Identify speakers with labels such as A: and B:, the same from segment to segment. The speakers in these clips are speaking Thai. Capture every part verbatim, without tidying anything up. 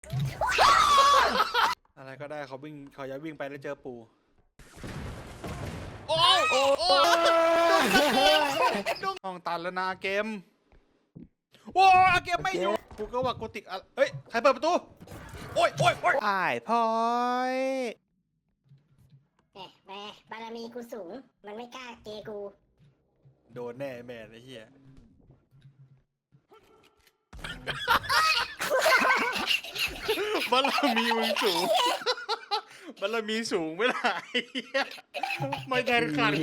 A: อะไรก็ได้เขาวิ่งเขาจะวิ่งไปแล้วเจอปู่โอ้โอ้โอ้ห้องตันแล้วนะเกมโอ้เกมไม่อยู่กูก็ว่ากูติดอะเฮ้ยใครเปิดประตูโอ้ยโอ้ยโอ้ยอ้ายพอย
B: แหมแหมบารมีกูสูงมันไม่กล้าเกกู
A: โดนแน่แม่ไอ้เหี้ยบารมีมึงสูงบารมีสูงไม่ได้ไม่แทนขัน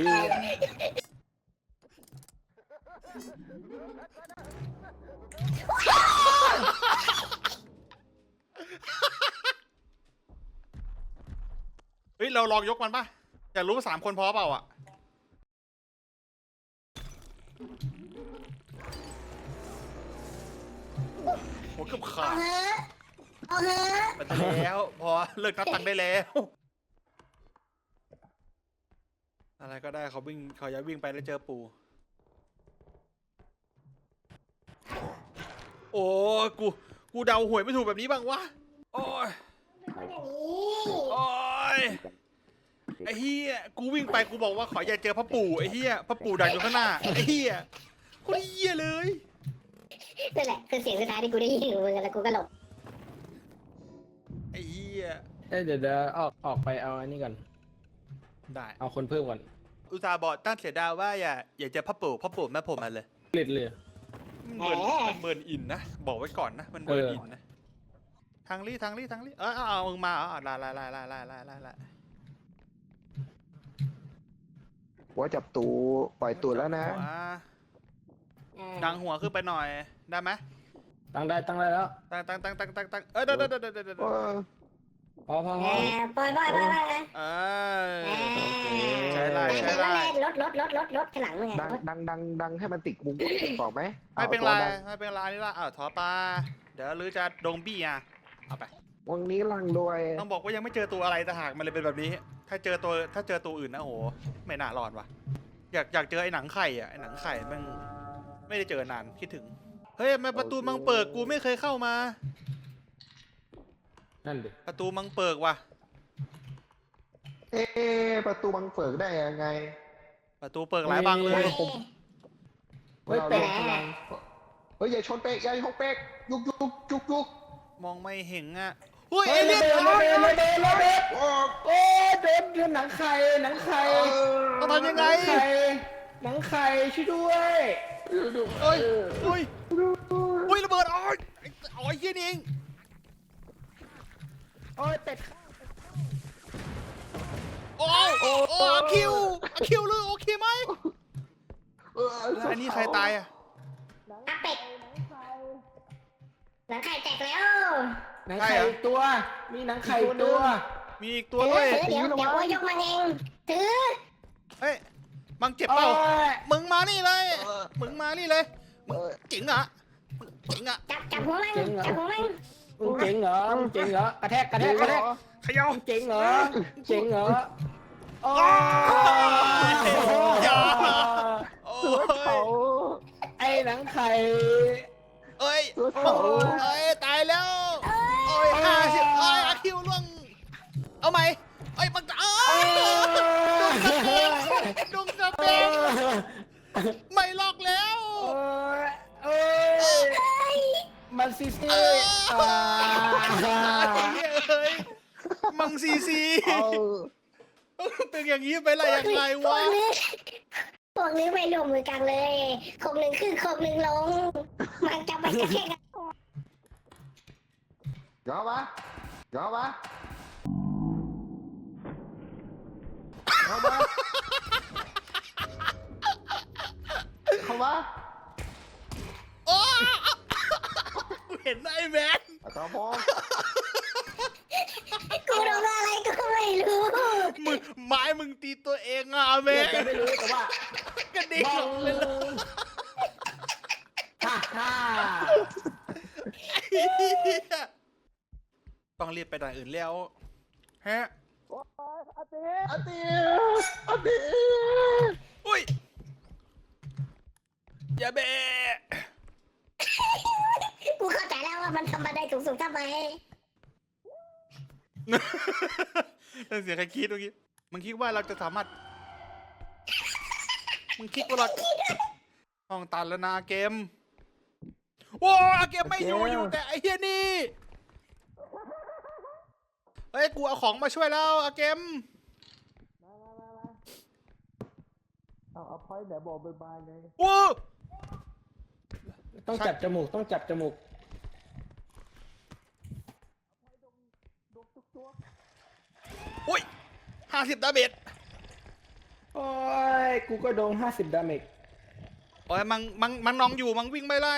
A: เฮ้ยเราลองยกมันป่ะอยากรู้ว่าสามคนพอเปล่าอ่ะโหเกือบขาด
B: เอาเถอะเอาเถอะ
A: ไปแล้วพอเลิกนับตังค์ได้แล้วอะไรก็ได้เขาวิ่งเขาจะวิ่งไปแล้วเจอปู่โอ้กูกูเดาหวยไม่ถูกแบบนี้บ้างวะโอ้ย
B: คนอย่างนี้
A: โอ้ยไอ้เฮียกูวิ่งไปกูบอกว่าขออย่าเจอพ่อปู่ไอ้เฮียพ่อปู่ดักอยู่ข้างหน้าไอ้เฮียคนเฮียเลย
B: นั่นแหละคือเสียงสุดท้ายที่กูได้ยินของมึงแล้วกูก็หลบ
A: ไอ้เฮีย
C: เอ้ยเดี๋ยวเดี๋ยวออกออกไปเอาอันนี้ก่อน
A: ได้
C: เอาคนเพิ่มก่อน
A: อุตส่าห์บอกตั้งเสียดายว่าอย่าอย่าเจอพ่อปู่พ่อปู่แม่ผมมาเลย
C: เกล็ดเลย
A: มันเบิร์นมันเบิร์นอินนะบอกไว้ก่อนนะมันเบิร์นอินนะทางลี่ทางลี่ทางลี่เออเอาเอามึงมาเอาเอาไล่ไล่ไล่ไล่ไล่ไล่ไล่ไล่
D: หัวจับตูปล่อยตูดแล้วนะ
A: หัว
B: เออ
A: ดังหัวขึ้นไปหน่อยได้ไหม
C: ตั้งได้ตั้งได้แล้ว
A: ตั้งตั้งตั้งตั้งตั้งตั้งเออเดี๋ยวเดี๋ยวเดี๋ยวเดี๋ยวเดี๋ยว
D: เออ
C: พอพอ
B: เอ
C: พอ
B: อปล่อยปล่อยปล่อยปล่อย
A: เออ
B: เออ
A: ใช้ไล่ใช้
B: แต่
A: ไล่
B: ว่าแล่นรถรถรถรถรถข้างหลังมึงไง
D: ดัง
B: รถ
D: ดังดังดังให้มันติดมุมบอกไหม
A: ไม่เป็นไร
D: อาตัวดัง
A: ไม่เป็นไรนี่ละอ้าวถอปลาเดี๋ยวหรือจะดงบี้อ่ะเอาไป
D: วันนี้ลังรวย
A: ต้องบอกว่ายังไม่เจอตัวอะไรแต่หากมันเลยเป็นแบบนี้ ถ้าเจอตัวถ้าเจอตัวอื่นนะโหไม่น่ารอดว่ะอยากอยากเจอไอ้หนังไข่อ่ะไอ้หนังไข่แม่งไม่ได้เจอนานคิดถึงเฮ้ยทำไมประตูมังเปิดกูไม่เคยเข้ามา
C: นั่นดิ
A: ประตูมังเปิดว่ะ
D: เอ๊ะประตูบังเฟิกได้ยังไง
A: ประตูเปิดหลายบางเลย
C: เฮ้ย
D: เรา
C: เป็ด
D: ลงพลังเฮ้ยอย่าชนเป๊กอย่าชนเป๊กยุกยุกยุกยุก
A: มองไม่เห็นอ่ะอุ้ย
C: เฮ้
A: เอย เลี่
C: ระ
A: ยน
C: เบิดระเบิดระเบิดระเบิด
D: โอ้
C: โอ้โดนโดนหนังไข่หนังไข่
A: ต้องทำยัง
C: ห
A: ไง
C: นังไข่หนังไข่ช่วยด้วย
A: เอ้ยอุ้ยอุ้ยระเบิดอ๋อยอ๋อยเยี่ยนี่เอง
C: โอ้ยเป็ด
A: โอ้ยโอ้โอ้อาคิวอาคิวเลยโอเคไหม
D: เออ
A: แล้วอันนี้ใครตายอ่ะ
B: อาเป็ดหนังไข่แตกแล้ว
C: หนังไข่อีกตัว มีหนังไข่อีกตัว
A: มีอีกตัวด้วย
B: เออเดี๋ยวเดี๋ยวว่ายกมันเองถือ
A: เฮ้ยมังเจ็บเปล่า
C: โอ้ย
A: มึงมานี่เลยมึงมานี่เลยมึงจริงเหรอมึงจริงอ่ะ
B: จับจับหัวมันจับหัวมัน
C: มึงเจ๋งเหรอมึงเจ๋งเหรอกระแทกกระแทกกระแทก
A: เขย่า
C: มึงเจ๋งเหรอมึงเจ๋งเหรอโอ้ย
A: อย่าโอ้
D: เสือย เผา
C: ไอ้หนังไข่
A: เอ้ย
D: เสือ
A: มึ
D: เผาง
A: เอ้ยตายแล้วโอ้ยห้าสิบเอ้ยอาคิวล่วงเอาไหมเอ้ยมันจะเอ้ยดุงกระเบงไม่ล็อกแล้ว
C: โอ้ยโอ้ยมันซีซี
A: เออ
C: อ่า
A: เอ้ยมังซีซี
D: เอา
A: เป็นอย่างนี้ไปไรยังไง
B: พว
A: วะ
B: กนี้พวกนี้ไม่รวมมือกันเลยคงหนึ่งขึ้นคงหนึ่งลง มันจะไปกระแทกกัน
D: ยอมปะยอมปะยอมปะเข้ามา
A: โอ้เห็นไอ้แมน
D: ตาพอง
B: กูโดนอะไรก็ไม่รู้
A: มึงไม้มึงตีตัวเองอ่ะแม
C: เดี๋ยวน จะไม่รู้แต่ว่าก
A: ระดิ่ง
C: บ้
A: ล
C: อง
A: ไปเลย
C: ฮ่าฮ่า
A: ต้องรีบไปด่านอื่นแล้วฮะ
D: อาเตียอาเตีย
A: อุ้ยอย่าเบะ
B: กูเข้าใจแล้วว่ามันทำบันไดสูงๆทำไม
A: นั่นเสียงใครคิดเมื่อกี้มึงคิดว่าเราจะสามารถมึงคิดว่าเราห้องตันแล้วนะเกมโว้าเกมไม่อยู่อยู่แต่ไอ้เฮียนี่เฮ้ยกูเอาของมาช่วยแล้วอาเกม
D: เอาเอาพอยต์แบบบอกบายๆเลย
A: โอ้
C: ต้องจับจมูกต้องจับจมูก
A: โอ้ยห้าสิบดาเมจ
C: โอ้ยกูก็โดนห้าสิบดาเมจ
A: โอ้ยมังมังมังนองอยู่มังวิ่งไม่ไล่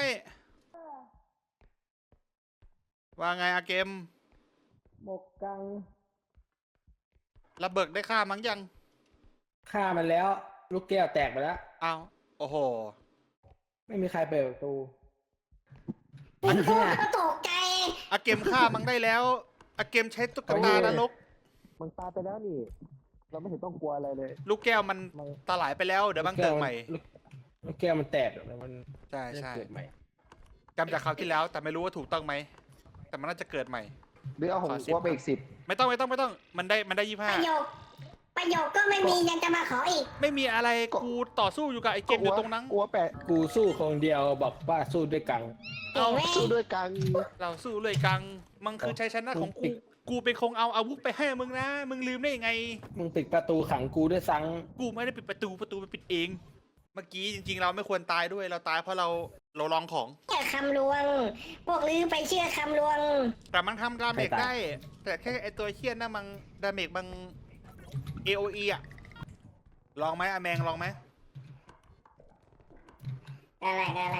A: ว่าไงอาเกม
C: หมกกัง
A: ระเบิดได้ฆ่ามังยัง
C: ฆ่ามันแล้ว ลูกแก้วแตกไปแล้ว
A: อ้าวโอ้โห
C: ไม่มีใครเปิดประตู
B: เป็นกูก็ตกใจ
A: อาเกมฆ่ามังได้แล้วอาเกมใช้ตุ๊กตานรก
D: มันตายไปแล้วนี่ เราไม่เห็นต้องกลัวอะไรเลย
A: ลูกแก้วมันตาหลายไปแล้วเดี๋ยวบังเกิดใหม่
C: ลูกลูกแก้วมันแตกแล้วมัน
A: ใช่ใช่
C: เกิดใหม่
A: จำจากคราวที่แล้วแต่ไม่รู้ว่าถูกต้องไหมแต่มันน่าจะเกิดใหม่
D: หรือเอาของ
A: ขอสิบ
D: กลัวไปอีกสิบ
A: ไม่ต้องไม่ต้องไม่ต้องมันได้มันได้ยี่
B: ป
A: ห้า
B: ระโยค ประโยคก็ไม่มียังจะมาขออีก
A: ไม่มีอะไรกูต่อสู้อยู่กับไอ้เกมอยู่ตรงนั้น
D: กลัวแปะ
C: กูสู้คนเดียวบอกว่าสู้ด้วยกัง
B: เก่งเว้ย
D: สู้ด้วยกัน
A: เราสู้เลยกังมันคือชัยชนะของกูกูเป็นคงเอาอาวุธไปให้มึงนะมึงลืมได้ยังไง
C: มึงปิดประตูขังกูด้วยซัง
A: กูไม่ได้ปิดประตูประตูมันปิดเอง เมื่อกี้จริงๆ เราไม่ควรตายด้วยเราตายเพราะเราเราลองของ
B: เชื่อคำลวง พวกลือไปเชื่อคำลวง
A: แต่มันทำดาเมจได้ แต่แค่ไอตัวเคียนนะมันดาเมจบาง เอ โอ อี อะลองไหมอาแมงลองไหม
B: อะไรอะไร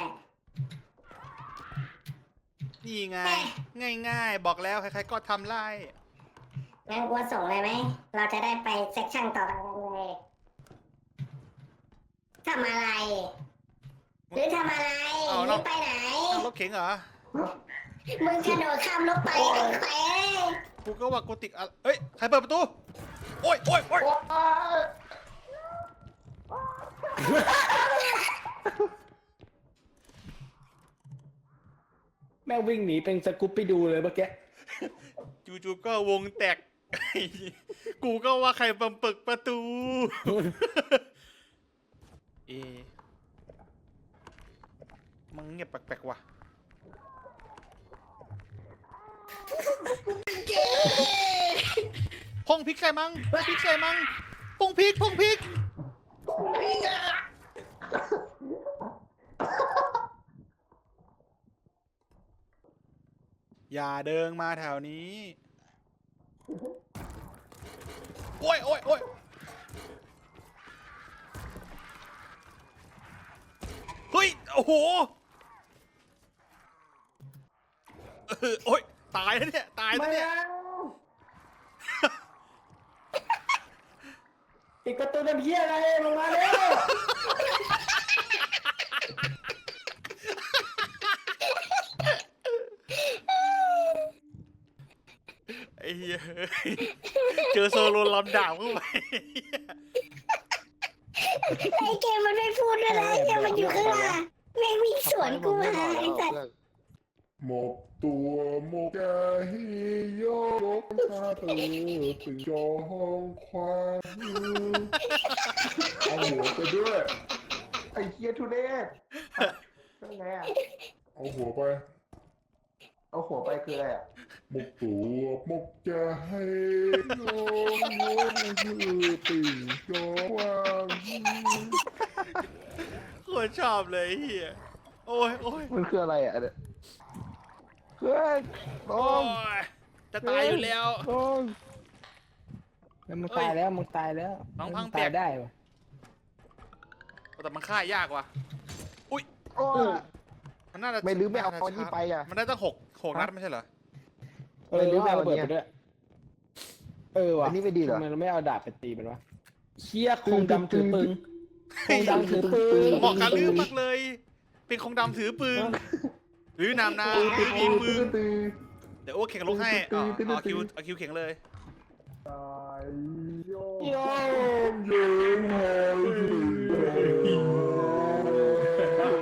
A: นี่ไง ง่ายๆ บอกแล้วใครๆก็ทำไล่
B: งั้นกูส่งเลยไหม เราจะได้ไปเซ็กชั่นต่อไปกันเลยทำอะไร หรือทำอะไรหรือไปไหน
A: เอารถเข็งเหรอ
B: มึงกระโดดข้ามรถไปไอ้แขว
A: กูก็ว่ากูติดอะเฮ้ย ใครเปิดประตู โอ้ยโอ้ยโอ้ย
C: แม่งวิ่งหนีเป็นสกูปปี้ดูเลยเมื่อกี้
A: จู่ๆก็วงแตก กูก็ว่าใครบังเปิดประตู เอมันเงียบแปลกๆว่ะพงพริกใส่มังพริกใส่มังพงพริกพงพริก อย่าเดินมาแถวนี้ โอ้ยโอ้ยโอ้ยเฮ้ย โอ้โหเออโอ้ย ตายแล้วเนี่ย ตายแล้วเนี่ย
C: ปิดประตูน้ำเหี้ยอะไรลงมาเร็ว
A: ไอ้เหี้ยเจอโซโลลำดาบเข้าไป
B: ไอ้เกมมันไม่พูดด้วยนะไอ้เกมมันอยู่ข้างหน้าแม่งวิ่งสวนกูมาไอ้สัตว์
E: หมกตัวหมกใจโยกพาเธอถึงจอห้องความเอาหัวไปด้วย
D: ไอ้เคียทุเรศนั่นไงอะ
E: เอาหัวไป
D: เอาหัวไปคืออะไรอะ
E: หมกตัวหมกใจโยกโยกคือติ่งจอว่าง
A: โคตรชอบเลยไอ้เฮียโอ้ยโอ้ย
D: มันคืออะไรอะเนี่ยเฮ้ยล
A: โอ้
D: ง
A: ยจะตายอยู่แล้ว
D: ลง
C: แล้วมึงตายแล้วมึงตายแล้ว
A: น้องพัง
C: มึ
A: เปีย
C: ตาก ยได้ปะ
A: แต่มันฆ่ายากว่ะ
D: โอ้ย
A: มันน่าจะ
D: ไม่ลืมไม่เอา
A: น่จะ
D: ตอนนี้ไปอะ
A: มันได้ตั้งหกหกนัดไม่ใช่เหรอ
C: เออ
D: ไม่รู้
C: ไม่เอา
D: ว่า
C: ระเบิด
D: วัน
C: ไป
D: เนี้ย
C: ด้วยเออว่ะ
D: อันนี้ไม่ดีเหรอ
C: ทำไมเราไม่เอาดาบไปตีมันวะเชี่ยคงดำถือปืนคงดำถือปืน
A: เหมาะกับลืมมากเลย เป็นคงดำถือปืนหรือนามนาไม่มีปืน
D: ตื้อ
A: เดี๋ยวโอ้เข่งลุกให้อ๋อเอาคิวเอาคิวเข่งเลย
E: ตายโยกโยกเยิงหอยถึง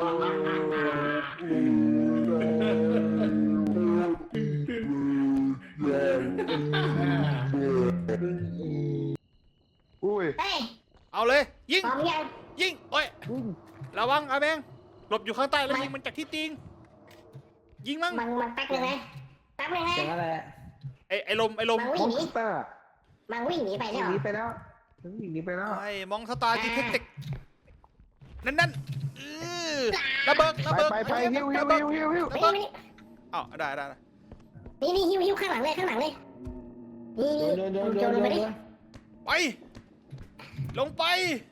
E: จอ
D: อุ้ย
B: เฮ้ย
A: เอาเลย ยิง
B: พร้อมยัง
A: ยิงโอ้ยระวังอาแบงหลบอยู่ข้างใต้แล้วยิงมันจากที่ติงยิงมั้ง
B: มันมันแป๊บนึงนะแป๊บนึงนะ
C: เสียงอะไร
A: ไอ้ไอ้ลมไอ้ลม
B: มัน
D: ม
B: วิ่
D: อง น
B: หนี
D: สเตอร์
B: มันวิ่งหนีไป
D: ห
B: แล้ว
D: นีไปแล้วหนีไปแล้ว
A: ไอ้มองสตาร์จีเทคติกนั่นนั่นเออระเบิดระ
D: ไป
A: เบิด
D: ไปไปฮิวฮิวฮิวฮิวฮิว
A: ระ
B: นี่
A: เบิด
B: นี่
A: อ้าวได้ได้ได้
B: นี่นี่หิวหิวข้างหลังเลยข้างหลังเลยนี่
C: โด
B: นี่
C: นโดนโดน
B: โจ
C: โด
B: ร
C: น
B: ลงไปดิ
A: ไปลงไป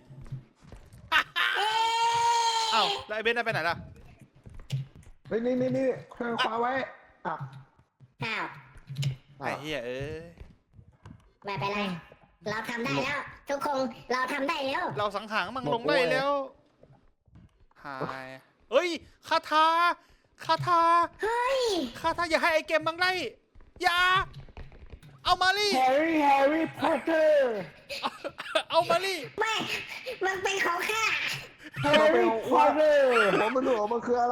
B: เอ๊ะ
A: อ้าวแล้วไอ้เบนได้ไปไหนล่ะ
D: เฮ้ยนี่นี่นี่เครื่องคว้าไว้อ่ะ
B: อ้าว
A: ไอ้เหี้ยเอ้ย
B: ไม่เป็นไรเราทำได้แล้ว ทุกคนเราทำได้แล้ว
A: เราสังหารมันลงได้แล้วหายเอ้ยคาถาคาถา
B: เฮ้ย
A: คาถาอย่าให้ไอ้เกมบังได้อย่าเอามาลี่
C: แฮร์รี่แฮร์รี่พอตเตอร์
A: เอามาลี่
B: ไม่มันเป็นของข้า
C: แฮร์รี่พอตเตอร์
D: ผมไม่รู้ว่ามันคืออะไร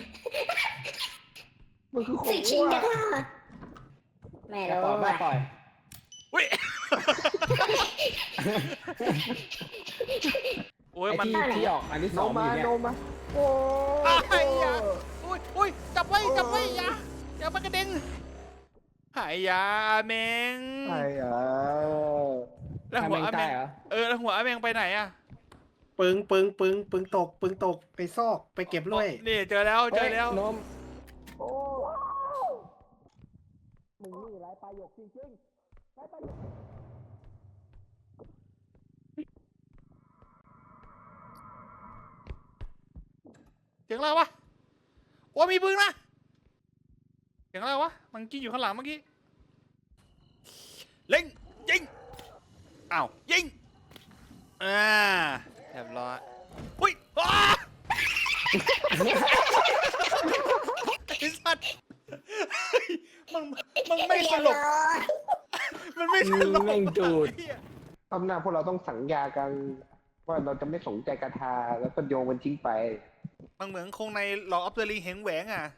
D: มันคือของ
B: สิชิง
D: วัว
B: กันเหรอไม่
C: ป
B: รู้
C: ล่อย
B: ว่ะ
C: ปล่อย
A: อุ้ยโอ้ย
C: ไอ้
A: มัน
C: ที่ที่ออกอันที่ส
D: โน
C: อง
D: มา
C: อยู่เนี่ย
D: โนมาโอ้
A: ไอ้ยาอุ้ยอุ้ยจับไว้จับไว้อย่าอย่ามากระเด็นหายยาแมง
D: ไอ้อ่ะ
A: แล้วหัวอาแมง
C: เหรอ
A: เออแล้วหัวอาแมงไปไหนอะ
F: ปึงปึงปึงปึงตก ปึงตกไปซอกไปเก็บด้วย
A: นี่เจอแล้วเจอแล้ว
C: นม
D: โอ้
C: มึงนี่ไรประโยคจริงๆไรประโยค
A: เสียงอะไรวะโอ้มีปืนนะเสียงอะไรวะมันกิ้งอยู่ข้างหลังเมื่อกี้เล็งยิงอ้าวยิงอ่าเรียบร้อยอุ้ยอ้าไอ้สัตว์เฮ้ยมันมันไม่สลบ
B: เรียบร้อย
A: มันไม่สลบ
C: แม่งดูด
A: เหี้ย
D: ตำหน้าพวกเราต้องสัญญากัน ว่าเราจะไม่สนใจกระทาแล้วก็โยงมันทิ้งไป
A: มันเหมือนคงในหลอกอัพเดอร์ลิงเหงแหวงอ่ะ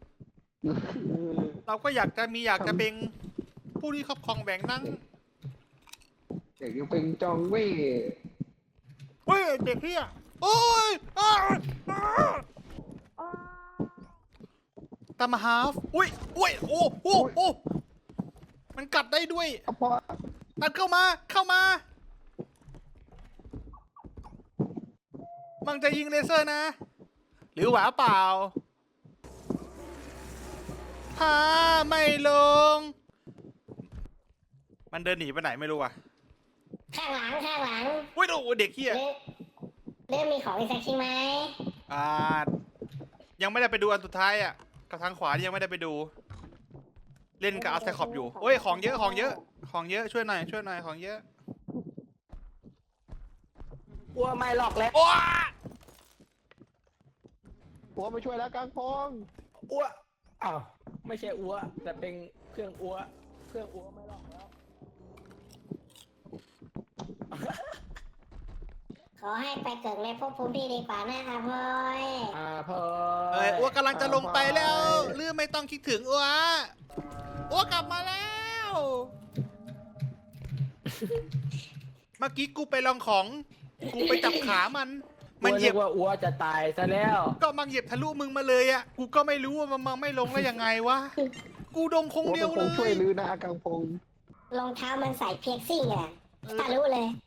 A: เราก็อยากจะมีอยากจะเป็นผู้ที่ครอบครองแหวงนั่ง
D: เด็กยังเป็นจองเว่ย
A: เฮ้ยเด็กเฮียโอ้ยอ้าวอ้าวตามมาฮาฟอุ้ยอุ้ยโอ้โอ้โอ้มันกัดได้ด้วย
D: เอาพอ
A: ตัดเข้ามาเข้ามา มันจะยิงเลเซอร์นะ หรือหวาเปล่าฮาไม่ลง มันเดินหนีไปไหนไม่รู้อ่ะ
B: ข้างหลังข้างหลัง
A: อุ้ยโอ้เด็กเฮีย
B: เริ่มเริ่มมีของอีกสักชิ้นไหม
A: อ่ายังไม่ได้ไปดูอันสุดท้ายอ่ะกับทางขวายังไม่ได้ไปดู เล่นกับอาร์ไซคอบอยู่โอ้ยของเยอะของเยอะ ของเยอะช่วยหน่อยช่วยหน่อยของเยอะ
C: กลัวไม่หลอกแล้ว
A: โอ้
D: หัวมาช่วยแล้วกลางพง
C: อ้วอ้าวไม่ใช่อ้วแต่เป็นเครื่องอ้วเครื่องอ้วไม่หลอกแล้ว
B: ขอให้ไปเกิดในภพภูมิที่ดีกว่านะครับพ่อย
C: อ่าพอ
A: เอ้ยอ้วกำลังจะลงไปแล้วหรือไม่ต้องคิดถึงอ้วอ้วกลับมาแล้ว เมื่อกี้กูไปลองของ กูไปจับขามัน มันเหยียบ
C: กลัวนึกว่าอ้วจะตายซะแล้ว
A: ก็มันเหยียบทะลุมึงมาเลยอ่ะ กูก็ไม่รู้ว่ามันมันไม่ลงได้ยังไงวะ กูดมคง
D: หัว
A: เดียว
D: ค
A: เล
D: งช่วย
A: ย
D: ลื้อหน้ากลางพง
B: รองเท้ามันใส่เพียกซิ่งอ่ะทะลุเลย